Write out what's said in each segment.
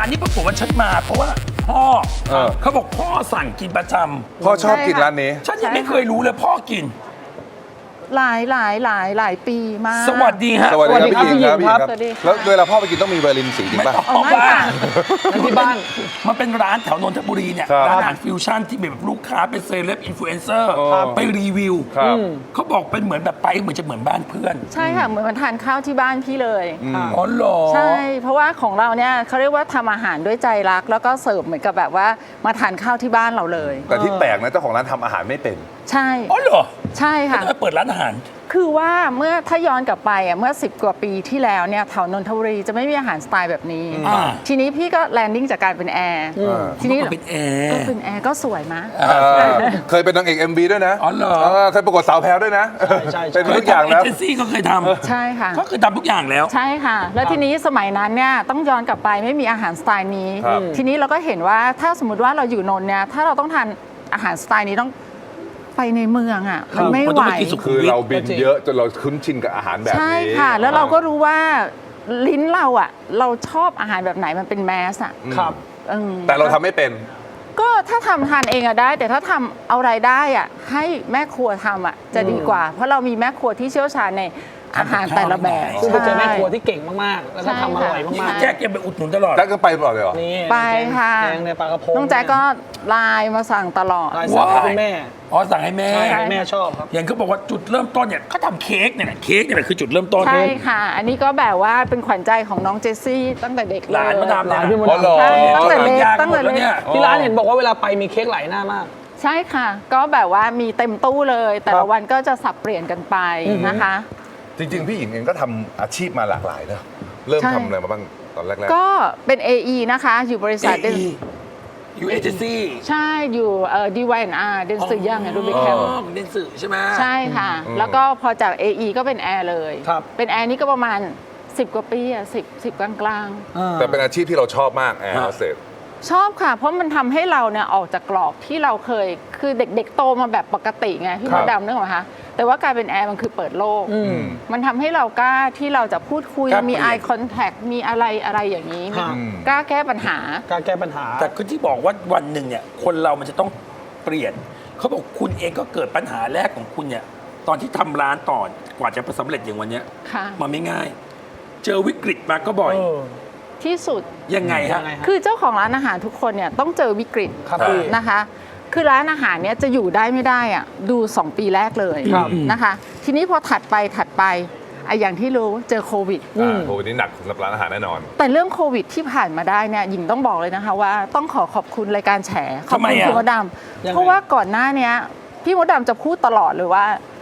านนี้ปรากฏว่าฉันมาเพราะว่าพ่อเขาบอกพ่อสั่งกินประจพ่อชอบกินร้านนี้ำฉันยังไม่เคยรู้เลยพ่อกินหลายปีมากสวัสดีฮะสวัสดีครับพี่หญิงครับพี่หญิงครับสวัสดีค่ะแล้วเวลาพ่อไปกินต้องมีเบอร์ลินสีจริงไม่ป่ะต้องไม่ค่ะที่บ้านมันเป็นร้านแถวนนทบุรีเนี่ยครับร้านอาหารฟิวชั่นที่แบบลูกค้าเป็นเซเลบอินฟลูเอนเซอร์ครับไปรีวิวครับเขาบอกเป็นเหมือนแบบไปเหมือนจะเหมือนบ้านเพื่อนใช่ค่ะ เหมือนมาทานข้าวที่บ้านพี่เลยอ๋อเหรอใช่ เพราะว่าของเราเนี่ยเขาเรียกว่าทำอาหารด้วยใจรัก แล้วก็เสิร์ฟเหมือนกับแบบว่ามาทานข้าวที่บ้านเราเลยแต่ที่แปลกนะเจ้าของร้านทำอาหารไม่เป็นใช่อ๋อเหรอใช่ค่ะจะมาเปิดร้านอาหารคือว่าเมื่อถ้าย้อนกลับไปเมื่อ 10 กว่าปีที่แล้วเนี่ยแถวนนทบุรีจะไม่มีอาหารสไตล์แบบนี้อ่าทีนี้พี่ก็แลนดิ้งจากการเป็นแอร์ทีนี้ก็เป็นแอร์ก็เป็นแอร์ก็สวยมะเคยเป็นนางเอก MV ด้วยนะอ๋อเหรอเคยประกวดสาวแพรวด้วยนะใช่เป็นทุกอย่างแล้วเอเจนซี่ก็เคยทใช่ค่ะำก็คือทำทุกอย่างแล้วใช่ค่ะ แล้วทีนี้สมัยนั้นเนี่ยต้องย้อนกลับไปไม่มีอาหารสไตล์นี้ครับทีนี้เราก็เห็นว่าถ้าสมมติว่าเราอยู่นนท์เนี่ยถ้าเราต้องทานอาหารสไตล์นี้ต้องไปในเมืองอ่ะมันไม่มันไหต้วองไปกินสุขุมคือเราบินเยอะจนเราคุ้นชินกับอาหารแบบนี้ใช่ค่ะ แล้วเราก็รู้ว่าลิ้นเราอ่ะเราชอบอาหารแบบไหนมันเป็นแมสอ่ะครับแต่เราทำไม่เป็นก็ถ้าทำทานเองอะได้ แต่ถ้าทำเอารายได้อะให้แม่ครัวทำอะจะดีกว่า เพราะเรามีแม่ครัวที่เชี่ยวชาญในอาหารแต่ละแบบซึ่งไปเจอแม่ครัวที่เก่งมากๆ แล้วก็ทำอร่อยนี่มากแจ็คยังไปอุดหนุนตลอดแจ็คก็ไปตลอดเลยเหรอๆ นี่ไปค่ะแกงในปลากระพงน้องแจ๊กก็ไลน์มาสั่งตลอดลายสั่งให้คุณแม่อ๋อสั่งให้แม่ใช่แม่ชอบครับอย่างเขาบอกว่าจุดเริ่มต้นเนี่ยเขาทำเค้กเนี่ยแหละเค้กเนี่ยแหละคือจุดเริ่มต้นใช่ค่ะ อันนี้ก็แบบว่าเป็นขวัญใจของน้องเจสซี่ตั้งแต่เด็กเลยหลานมาดามหลานพี่มดอ๋อเหรอดำใช่ตั้งแต่เล็กยากตั้งหมแต่ดแล้วเล็กเนี่ยที่ร้านเห็นบอกว่าเวลาไปมีเค้กหลายหน้ามากใช่ค่ะ ก็แบบว่ามีเต็มตู้เลย แต่ครัละบวันก็จะสับเปลี่ยนกันไปนะคะจริงๆ พี่หญิงเองก็ทำอาชีพมาหลากหลายนะ เริ่มใช่ทำอะไรมาบ้างตอนแรกก็เป็น AE นะคะ อยู่บริษัท AE อยู่เอเจนซี่ใช่อยู่DYNR เดนสือย่างไงรูบิแคลเดนสื่อใช่ไหมใช่ค่ะ แล้วก็พอจาก AE ก็เป็นแอร์เลยครับเป็นแอร์นี่ก็ประมาณ 10 กว่าปีอะ10 กลางๆ แต่เป็นอาชีพที่เราชอบมากแอร์โฮสเตสๆ ชอบค่ะ เพราะมันทำให้เราเนี่ยออกจากกรอบที่เราเคย คือเด็กๆโตมาแบบปกติไงพี่ครัมบดดำนึกออกไหมคะ แต่ว่าการเป็นแอร์มันคือเปิดโลก มันทำให้เรากล้าที่เราจะพูดคุยกล้าเปลี่มียน eye contact มีอะไรอย่างนี้ครับกล้าแก้ปัญหาการแก้ปัญหาแต่คือที่บอกว่าวันหนึ่งเนี่ยคนเรามันจะต้องเปลี่ยนเขาบอกคุณเองก็เกิดปัญหาแรกของคุณเนี่ยตอนที่ทำร้านต่อกว่าจะสำเร็จอย่างวันเนี้ยค่ะมันไม่ง่าย เจอวิกฤตมาก็บ่อยที่สุดยังไงฮะยังไงฮะคือเจ้าของร้านอาหารทุกคนเนี่ยต้องเจอวิกฤตครับพี่นะคะ คือร้านอาหารเนี่ยจะอยู่ได้ไม่ได้อะดู 2 ปีแรกเลยครับนะคะ ทีนี้พอถัดไปไอ้อย่างที่รู้เจอโควิดโอ้นี่หนักสำหรับร้านอาหารแน่นอนแต่เรื่องโควิดที่ผ่านมาได้เนี่ยหญิงต้องบอกเลยนะคะว่าต้องขอบคุณรายการแฉขอบทำไมคุณอะพี่มดดยังำไงเพราะว่าก่อนหน้าเนี้ยพี่มดดำจะพูดตลอดเลยว่า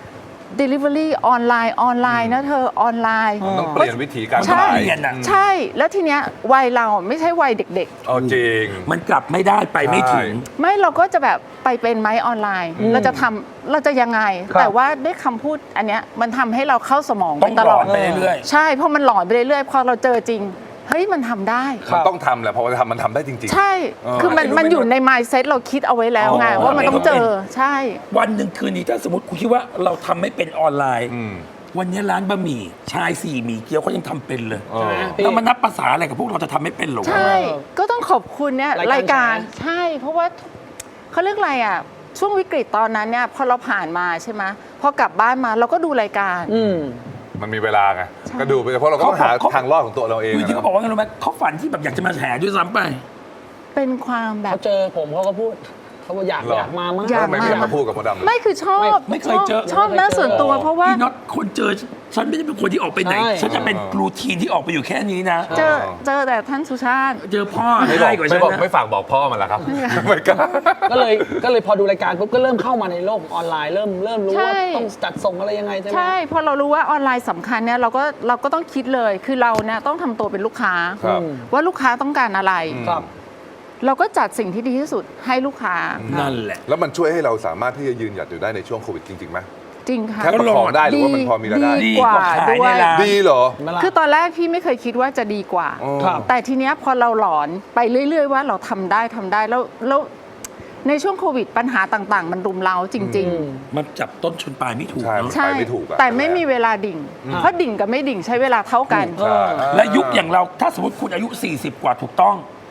Delivery ออนไลน์นะเธอออนไลน์ต้องเปลี่ยนวิธีการใช่ขายเปลี่ยนอะใช่ แล้วทีเนี้ยวัยเราไม่ใช่วัยเด็กเอาจริงมันกลับไม่ได้ไปไม่ถึงใช่ๆ ไม่เราก็จะแบบไปเป็นไหมออนไลน์ เราจะยังไงครับแต่ว่าด้วยคำพูดอันเนี้ยมันทำให้เราเข้าสมองต้ไปองตหลลออดดไปเรื่อยใช่เพราะมันหลอนไปเรื่อยๆพอเราเจอจริงเฮ้ยมันทำได้มันต้องทำแหละเพราะว่าทำมันทำได้จริงใช่ คือมันอยู่ใน mindset เราคิดเอาไว้แล้วไงว่ามันต้องเจอใช่ๆ วันหนึ่งคืนนี้ถ้าสมมติคุณคิดว่าเราทำไม่เป็นออนไลน์อืมวันนี้ร้านบะหมี่ชายสี่หมี่เกี๊ยวเขายังทำเป็นเลยเออแล้วมันนับภาษาอะไรกับพวกเราจะทำไม่เป็นหรอวะใช่ ก็ต้องขอบคุณเนี่ยราราย ยกาการ รใช่ เพราะว่าเขาเรียกอะไรอ่ะช่วงวิกฤตตอนนั้นเนี่ยพอเราผ่านมาใช่ไหมพอกลับบ้านมาเราก็ดูรายการมันมีเวลาไง ก็ดูไปเพราะเราก็ต้องหาทางรอดของตัวเราเองคือที่อะเขาบอกว่าไงรู้ไหมเขาฝันที่แบบอยากจะมาแฉด้วยซ้ำไปเป็นความแบบเขาเจอผมเขาก็พูด เขาบอกอยากมามากอยากทำไมไม่อยากมาพูดกับมดดำเลยไม่คือชอบไม่เคยเจอชอบนะส่วนตัวเพราะว่าพี่น็อตคนเจอฉันไม่ได้เป็นคนที่ออกไปไหนใช่ฉันจะเป็นรูทีนที่ออกไปอยู่แค่นี้นะเจอแต่ท่านสุชาติเจอพ่อไม่บอได้กกว่าไม่ฉันบอกนะไม่ฝากบอกพ่อมันละครับ ไม่กล้าก็เลยพอดูรายการปุ๊บก็เริ่มเข้ามาในโลกออนไลน์เริ่มรู้ใช่ว่าต้องจัดส่งอะไรยังไงใช่ไหมใช่พอเรารู้ว่าออนไลน์สำคัญเนี่ยเราก็ต้องคิดเลยคือเราเนี่ยต้องทำตัวเป็นลูกค้าครับว่าลูกค้าต้องการอะไรครับเราก็จัดสิ่งที่ดีที่สุดให้ลูกค้านั่นแหละแล้วมันช่วยให้เราสามารถที่จะยืนหยัดอยู่ได้ในช่วงโควิดจริงๆไหมจริงค่ะแค่ประคองได้หรือว่ามันพอมีรายได้ดีกว่าขายในด้วยร้านดีเหรอเห็นไหมล่ะคือตอนแรกพี่ไม่เคยคิดว่าจะดีกว่าอ๋อครับแต่ทีเนี้ยพอเราหลอนไปเรื่อย ๆ ว่าเราทำได้แล้วในช่วงโควิดปัญหาต่างๆ มันรุมเร้าจริงมันจับต้นชนปลายไม่ถูกใช่เนอะๆ ใช่ไปไม่ถูกอะแต่ไม่มีเวลาดิ่ง เพราะดิ่งกับไม่ดิ่งใช้เวลาเท่ากันใช่และยุคอย่างเราถ้าสมมติคุณอายุ 40 กว่าถูกต้อง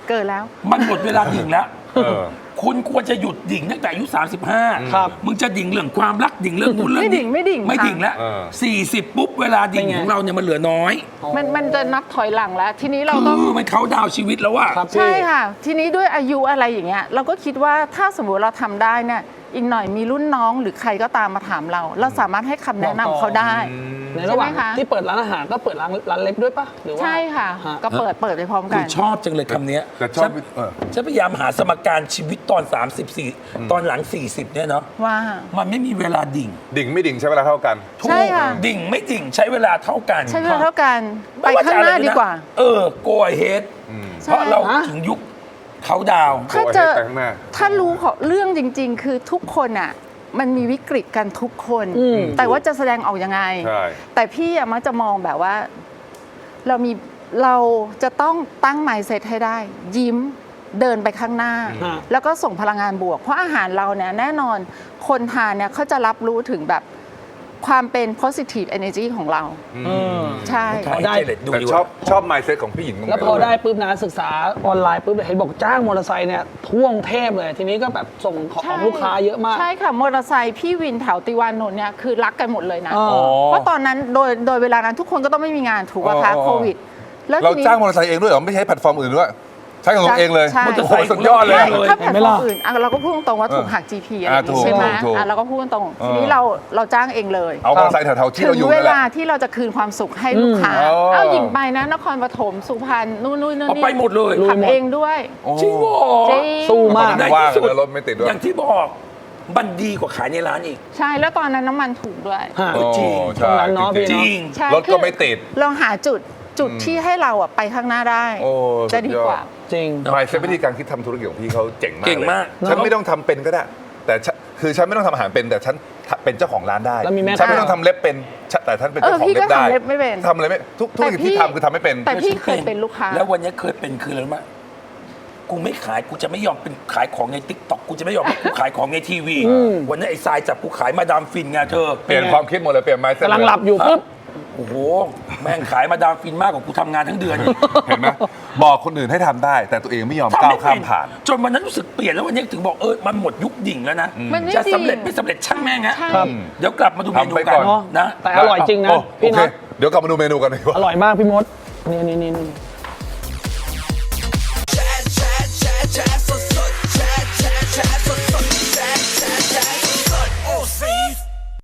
เกิดแล้วมันหมดเวลาดิ่งแล้วเออคุณควรจะหยุดดิ่งตั้งแต่อายุ 35 ครับมึงจะดิ่งเรื่องความรักดิ่งเรื่องนู่นเรื่องนี้ไม่ดิ่งไม่ดิ่งแล้วเออ 40 ปุ๊บเวลาดิ่งเป็นไงของเราเนี่ยมันเหลือน้อยมันจะนับถอยหลังแล้ว ทีนี้เราต้องคือมันเขาดาวน์ชีวิตแล้วว่าครับพี่ใช่ค่ะ ทีนี้ด้วยอายุอะไรอย่างเงี้ยเราก็คิดว่าถ้าสมมติเราทำได้เนี่ยอีกหน่อยมีรุ่นน้องหรือใครก็ตามมาถามเรา เราสามารถให้คำแนะนำเขาได้ในระหว่างใช่ไหมคะที่เปิดร้านอาหารก็เปิดร้านเล็บด้วยปะหรือว่าใช่ค่ะฮะก็เปิดไปพร้อมกัคุนณชอบจังเลยคำเนี้ยแต่ชอบฉันพยายามหาสมการชีวิตตอน 34 ตอนหลัง 40 เนี่ยเนาะว่ามันไม่มีเวลาดิ่งดิ่งไม่ดิ่งใช้เวลาเท่ากันถูกใช่ค่ะดิ่งไม่ดิ่งใช้เวลาเท่ากันใช้เวลาเท่ากันไปม่ว่ข้างจะหน้าอะไรดีกว่า go ahead ใช่เพราะเราฮะถึงยุคเขาดาวน์ถ้าเจอโอ้ยไปข้างหน้าถ้ารู้ของเรื่องจริง ๆ คือทุกคนอ่ะมันมีวิกฤตกันทุกคนอืมแต่ว่าจะแสดงออกยังไงใช่แต่พี่อะมักจะมองแบบว่า เราจะต้องตั้ง mindset ให้ได้ ยิ้มเดินไปข้างหน้าฮะแล้วก็ส่งพลังงานบวก เพราะอาหารเราเนี่ยแน่นอนคนทานเนี่ยเขาจะรับรู้ถึงแบบความเป็น positive energy ของเรา ใช่ถ่ายได้เจเล็ตดูแต่ดีชกอบว่าชอบ mindset ของพี่หญิงตรงแล้วนี้พอได้ปุ๊บนะศึกษาออนไลน์ปุ๊บเห็นบอกจ้างมอเตอร์ไซค์เนี่ยท่วงเทพเลย ทีนี้ก็แบบส่งของลูกค้าเยอะมากใช่ค่ะ มอเตอร์ไซค์พี่วินแถวติวานนท์เนี่ยคือรักกันหมดเลยนะอ๋อเพราะตอนนั้นโดยเวลานั้นทุกคนก็ต้องไม่มีงานถูกป่ะคะโควิด แล้วเราทีนี้จ้างมอเตอร์ไซค์เองด้วยเหรอไม่ใช้แพลตฟอร์มอื่นด้วยใช้ของเราเองเลยใช่โอ้โหสุดยอดเลยใช่ถ้าเห็แพลนตไหมฟอล่ะร์มอื่นเราก็พูดตรงๆว่าถูกหัก GP อะไรอย่างถูงี้กใช่ไหมถูกเราก็พูดตรงๆทีนี้เราจ้างเองเลยเอามอเตอร์ไซค์แถวๆที่ถึเรางอยู่เวนั่นแหละลาที่เราจะคืนความสุขให้ลูกค้าอ๋อเอาหญิงไปนะนครปฐมสุพรรณนู่นนี่เอาไปหมดเลยขับเองด้วยโอ้โหจริงเหรอจริงสู้มากในว่างที่สุดเลยรถไม่ติดด้วยอย่างที่บอกมันดีกว่าขายในร้านอีกใช่แล้วตอนนั้นน้ำมันถูกด้วยฮะโอ้จริงใช่ตรงนั้นเนาะพี่จเนาะริงใช่รถก็ไม่ติดเราหาจุดที่ให้เราอะไปข้างหน้าได้โอ้จะดีกว่าจริง mindset วิธีการคิดทำธุรกิจของพี่เขาเจ๋งมากเก่งมากเลยฉันไม่ต้องทำเป็นก็ได้ แต่คือฉันไม่ต้องทำอาหารเป็นแต่ฉันเป็นเจ้าของร้านได้แล้วมีแม่ฉันไม่ค้าต้องทำเล็บเป็นแต่ฉันเป็นเจ้าของพี่เล็ก็บได้ทำเล็บไม่เป็นทำอะไรไม่ทุกธุรกิจที่ทำคือทำไม่เป็นแต่พี่เคยเป็นลูกค้าแล้ววันนี้เคยเป็นคืออะไรรู้ไหมกูไม่ขายกูจะไม่ยอมเป็นขายของในติ๊กต็อกกูจะไม่ยอมให้กูขายของในทีวี วันนี้ไอ้ทรายจับกูขายมาดามฟินไงเธอเปลี่ยนความคิดหมดเลยเปลี่ยน mindset กำลังหลับอยู่ปุ๊บโอ้โห แม่งขายมาดามฟินมากกว่ากูทำงานทั้งเดือนอีกเห็นไหมบอกคนอื่นให้ทำได้ แต่ตัวเองไม่ยอมทำก้าวไม่ข้าเป็มนผ่านจนวันนั้นรู้สึกเปลี่ยนแล้ววันนี้ถึงบอกมันหมดยุคดิ่งแล้วนะมันไม่จะสำเร็จจริงไม่สำเร็จช่างแม่งฮะใช่ครับเดี๋ยวกลับมาดูเมนูทำไปกัก่นอนนะแต่อร่อยจริงนะโอพี่เคน็อตเดี๋ยวกลับมาดูเมนูกันดีกว่าอร่อยมากพี่มดนี่